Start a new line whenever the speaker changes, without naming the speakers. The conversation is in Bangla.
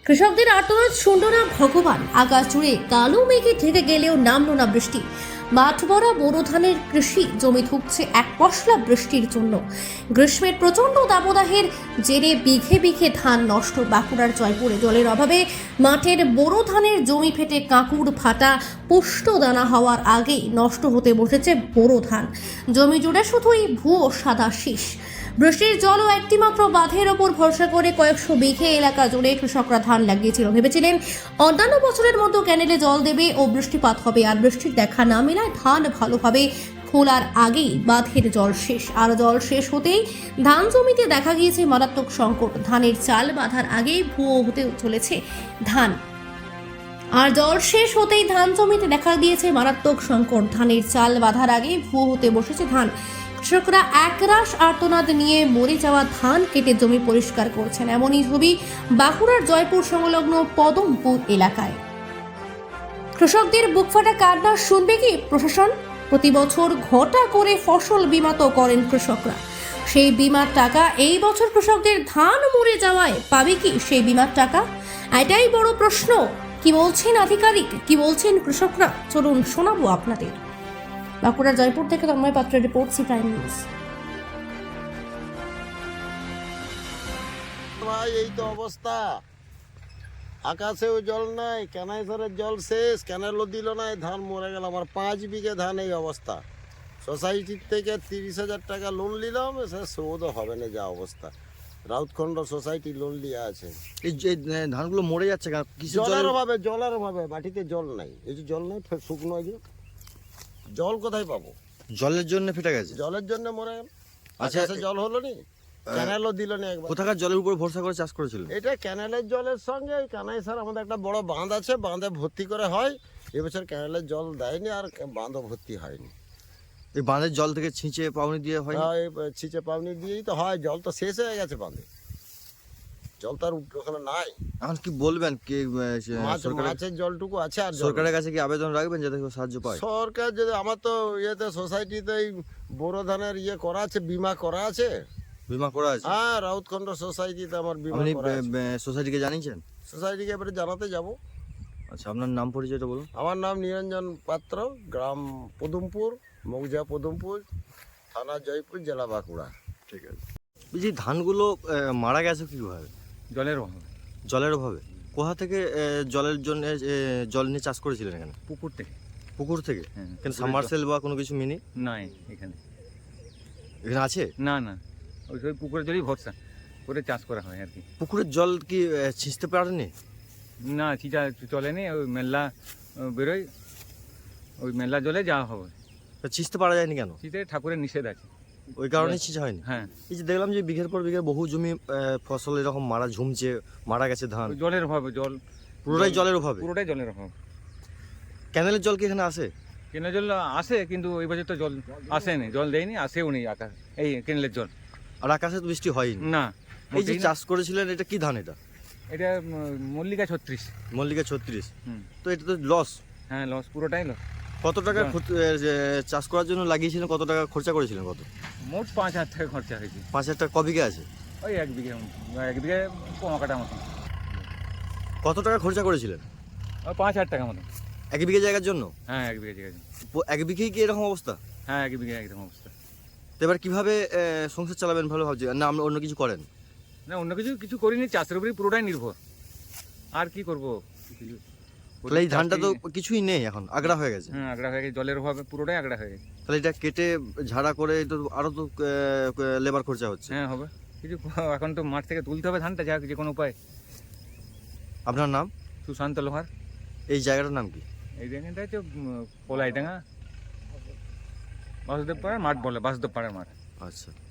কৃষকদের আর্তনাদ শুনল না ভগবান। আকাশ জুড়ে কালো মেঘে ঢেকে গেলেও নামল না বৃষ্টি। মাঠ ভরা বোরো ধানের কৃষি জমি ধুঁকছে এক পশলা বৃষ্টির জন্য। গ্রীষ্মের প্রচণ্ড দাবদাহের জেরে বিঘে বিঘে ধান নষ্ট। বাঁকুড়ার জয়পুরে জলের অভাবে মাঠের বোরো ধানের জমি ফেটে কাঁকুড় ফাটা, পুষ্ট দানা হওয়ার আগেই নষ্ট হতে বসেছে বোরো ধান। জমি জুড়ে শুধুই ভুয়ো সাদা শীষ। বৃষ্টির জল ও একটিমাত্র বাঁধের ওপর ভরসা করে কয়েকশো বিঘে এলাকা জুড়ে কৃষকরা ধান লাগিয়েছিল। ভেবেছিলেন অন্যান্য বছরের মতো ক্যানেলে জল দেবে ও বৃষ্টিপাত হবে, আর বৃষ্টির দেখা না মেলায় ধান ভালোভাবে খোলার আগেই বাঁধের জল শেষ। আর জল শেষ হতেই ধান জমিতে দেখা গিয়েছে মারাত্মক সংকট। ধানের চাল বাঁধার আগেই ভুয়ো হতে চলেছে ধান। আর জল শেষ হতেই ধান জমিতে দেখা দিয়েছে মারাত্মক সংকট। ধানের চাল বাঁধার আগেই ভুয়ো হতে বসেছে ধান। কৃষকরা একরাশ আর্তনাদ নিয়ে মরে যাওয়া ধান কেটে জমি পরিষ্কার করছেন। এমনই ছবি বাঁকুড়ার জয়পুর সংলগ্ন পদমপুর এলাকায়। কৃষকদের বুকফাটা কান্না শুনবে কি প্রশাসন? প্রতি বছর ঘটা করে ফসল বীমা তো করেন কৃষকরা। সেই বীমার টাকা এই বছর কৃষকদের ধান মরে যাওয়ায় পাবে কি সেই বীমার টাকা? এটাই বড় প্রশ্ন। কি বলছেন আধিকারিক, কি বলছেন কৃষকরা, চলুন শোনাবো আপনাদের। বাঁকুড়া জয়পুর থেকে তন্ময় পাত্রের রিপোর্ট, সি প্রাইম নিউজ।
ভাই এই তো অবস্থা, আকাশেও জল নাই, ক্যানাইসারের জল শেষ, ক্যানেলও দিল না, ধান মরে গেল। আমার 5 বিঘে ধান এই অবস্থা। সোসাইটির থেকে 30,000 টাকা লোন নিলাম, সে শোধও হবে না যা অবস্থা। রাউতখণ্ড সোসাইটি লোন নিয়ে আছে।
এই যে ধানগুলো মরে যাচ্ছে কেন? কিসের
জলের অভাবে মাটিতে জল নাই। এই যে জল নাই, শুকনো যে জল কোথায় পাবো?
জলের জন্য ফেটে গেছে।
জলের জন্য মরে গেল।
আচ্ছা,
আচ্ছা, জল হলো নি, ক্যানেলও দিল না একবার।
কোথাকার জলের উপর ভরসা করে চাষ করেছিল?
এটা ক্যানেলের জলের সঙ্গে এই কানাইসার আমাদের একটা বড় বাঁধ আছে, বাঁধে ভর্তি করে হয়। এবছর ক্যানেলের জল দেয়নি আর বাঁধও ভর্তি হয়নি।
এই বাঁধের জল থেকে ছিঁচে পাউনি দিয়ে হয়?
এই ছিচে পাউনি দিয়েই তো হয়। জল তো শেষ হয়ে গেছে বাঁধে, জল তো আর ওখানে নাই।
এখন কি বলবেন কি
মাছের জলটুকু আছে। আর
সরকারের কাছে কি আবেদন রাখবেন যাতে কেউ সাহায্য পায়?
সরকার যদি, আমার তো ইয়েতে সোসাইটিতে এই বোরো ধানের করা আছে, বীমা করা আছে।
বীমা করা আছে?
হ্যাঁ, রাউতখণ্ড সোসাইটিতে আমার বীমা
আপনি
করা আছে।
সোসাইটিকে জানিয়েছেন?
সোসাইটিকে এবারে জানাতে যাব।
আচ্ছা, আপনার নাম পরিচয়টা বলুন।
আমার নাম নিরঞ্জন পাত্র, গ্রাম পদমপুর, মৌজা পদমপুর, থানা জয়পুর, জেলা বাঁকুড়া।
ঠিক আছে। বলছি ধানগুলো মারা গেছে কীভাবে?
জলের অভাবে।
জলের অভাবে? কোথা থেকে জলের জন্য জল নিয়ে চাষ করেছিলেন এখানে?
পুকুর থেকে।
পুকুর থেকে?
হ্যাঁ,
কেন
পুকুরের
সাবমার্সেল বা কোনো কিছু মিনি
নাই এখানে।
এখানে আছে?
না না, ওই পুকুরের জলই ভরসা করে চাষ করা হয় আর কি।
পুকুরের জল কি ছিঁচতে পারেনি?
না, চিটা চলেনি। ওই মেলা বেরোয়, ওই মেলা জলে যাওয়া হবে।
তা ছিঁচতে পারা যায়নি কেন?
চিতে ঠাকুরের নিষেধ আছে।
ওই কারণেই ছিঁচা হয়নি?
হ্যাঁ,
এই যে দেখলাম যে বিঘের পর বিঘে বহু জমি ফসল এরকম ঝুমছে, মারা গেছে ধান।
ওই জলের অভাবে।
পুরোটাই জলের অভাবে?
পুরোটাই জলের অভাব।
ক্যানেলের জল কি এখানে আসে?
কেনেলের জল আসে, কিন্তু এই বছর তো জল আসেনি, জল দেয়নি, আসেও নি আকাশ এই কেনেলের জল।
আর আকাশে তো বৃষ্টি হয়নি।
না।
এই যে
মোটেই না।
চাষ করেছিলেন, এটা কি ধান? এটা
এটা মল্লিকা 36।
মল্লিকা 36।
হুম।
তো এটা তো লস।
হ্যাঁ, লস, পুরোটাই লস।
কত টাকা চাষ করার জন্য লাগিয়েছিলেন? কত টাকা খরচা করেছিলেন? কত?
মোট 5,000 টাকা খরচা হয়েছে।
5,000 টাকা? ক বিঘে আছে?
ওই এক বিঘে কমা কাটা মতো।
কত টাকা খরচা করেছিলেন?
ওই 5,000 টাকা মতো।
এক বিঘে জায়গার জন্য?
হ্যাঁ, এক বিঘে জায়গা।
এক বিঘেই কি এরকম অবস্থা?
হ্যাঁ, এক বিঘে একদম অবস্থা।
তো এবার কিভাবে সংসার চালাবেন ভালো ভাবছি, না আপনি অন্য কিছু করেন?
না, অন্য কিছু করিনি, চাষের উপরেই পুরোটাই নির্ভর। আর কি করবো?
তাহলে এই ধানটা তো কিছুই নেই, এখন আগড়া হয়ে গেছে।
হ্যাঁ, আগড়া হয়ে গেছে, জলের অভাবে পুরোটাই আগড়া হয়ে গেছে।
তাহলে এটা কেটে ঝাড়া করে তো আরো তো লেবার খরচা হচ্ছে।
হ্যাঁ, হবে কিছু। এখন তো মাঠ থেকে তুলতে হবে ধানটা, যা যে কোনো উপায়।
আপনার নাম?
সুশান্ত লোহার।
এই জায়গাটার নাম কি?
এই জায়গাটা হচ্ছে পলাইডাঙ্গা, বাসুদেব পাড়ার মাঠ বলে, বাসুদেব পাড়ার মাঠ।
আচ্ছা।